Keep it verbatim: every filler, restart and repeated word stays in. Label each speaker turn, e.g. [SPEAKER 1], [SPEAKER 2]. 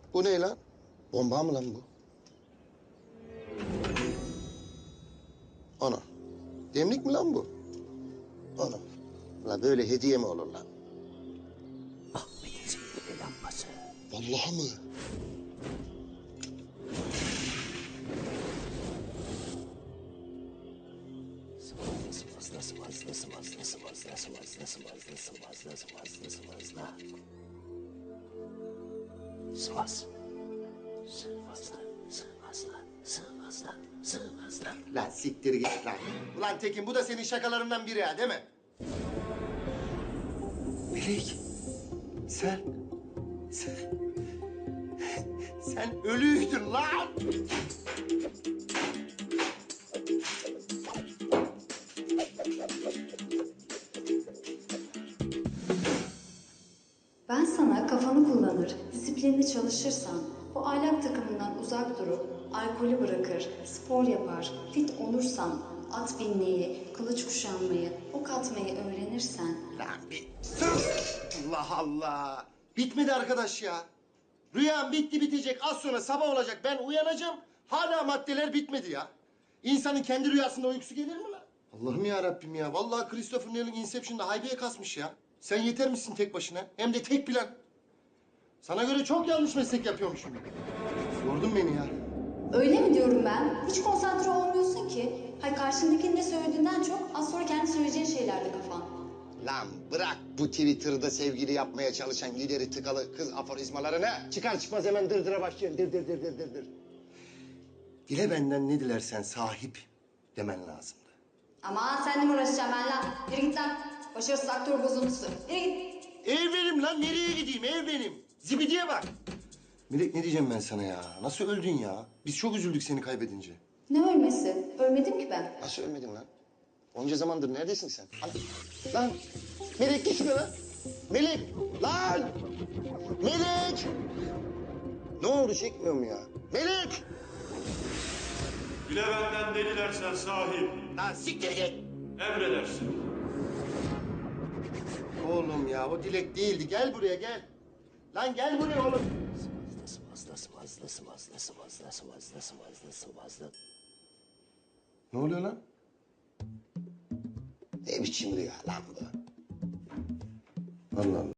[SPEAKER 1] Bu ne lan? Bomba mı lan bu? Ana. Demlik mi lan bu? Ana. La böyle hediye mi olur lan?
[SPEAKER 2] Ahmet'in sihirli lambası.
[SPEAKER 1] Vallahi mı?
[SPEAKER 2] Sıvazla sıvazla sıvazla sıvazla sıvazla sıvazla sıvazla sıvazla sıvazla. Sıvaz. Sıvazla sıvazla sıvazla sıvazla.
[SPEAKER 1] Lan siktir git lan. Ulan Tekin bu da senin şakalarından biri ha değil mi? Melek. Sen. Sen. Sen ölüydün lan.
[SPEAKER 3] Ben sana kafanı kullanır, disiplinli çalışırsan, bu ahlak takımından uzak durup, alkolü bırakır, spor yapar, fit olursan, at binmeyi, kılıç kuşanmayı, ok atmayı öğrenirsen...
[SPEAKER 1] Lan bir sus! Allah Allah! Bitmedi arkadaş ya. Rüyam bitti bitecek. Az sonra sabah olacak. Ben uyanacağım. Hala maddeler bitmedi ya. İnsanın kendi rüyasında uykusu gelir mi lan? Allah'ım ya Rabbim ya. Vallahi Christopher Nolan Inception'da haybeye kasmış ya. Sen yeter misin tek başına? Hem de tek plan. Sana göre çok yanlış meslek yapıyormuşum. Yordun beni ya.
[SPEAKER 3] Öyle mi diyorum ben? Hiç konsantre olmuyorsun ki. Hay karşındakinin ne söylediğinden çok az sonra kendi söyleyeceğin şeylerde kafan.
[SPEAKER 1] Lan bırak bu Twitter'da sevgili yapmaya çalışan ileri tıkalı kız aforizmalarını. Çıkar çıkmaz hemen dırdıra başlıyorsun. Dır dır dır dır dır dır. Dile benden ne dilersen sahip demen lazımdı.
[SPEAKER 3] Ama seninle mi uğraşacağım ben lan? Yürü git lan. Başarısız aktör bozuntusu. Yürü git.
[SPEAKER 1] Ev benim lan, nereye gideyim? Ev benim. Zibidiye bak. Melek ne diyeceğim ben sana ya? Nasıl öldün ya? Biz çok üzüldük seni kaybedince.
[SPEAKER 3] Ne ölmesi? Ölmedim ki ben.
[SPEAKER 1] Nasıl ölmedin lan? Onca zamandır neredesin sen? Ana. Lan Melek gitme lan. Melek lan. Melek. Ne oldu çekmiyor mu ya? Melek.
[SPEAKER 4] Dile benden ne dilersen sahip,
[SPEAKER 1] Lan siktir git.
[SPEAKER 4] emredersin.
[SPEAKER 1] Oğlum ya o dilek değildi. Gel buraya gel. Lan gel buraya oğlum.
[SPEAKER 2] Sıvazla sıvazla sıvazla sıvazla sıvazla sıvazla sıvazla.
[SPEAKER 1] Ne oluyor lan? Ne biçim rüya lan bu? Allah Allah.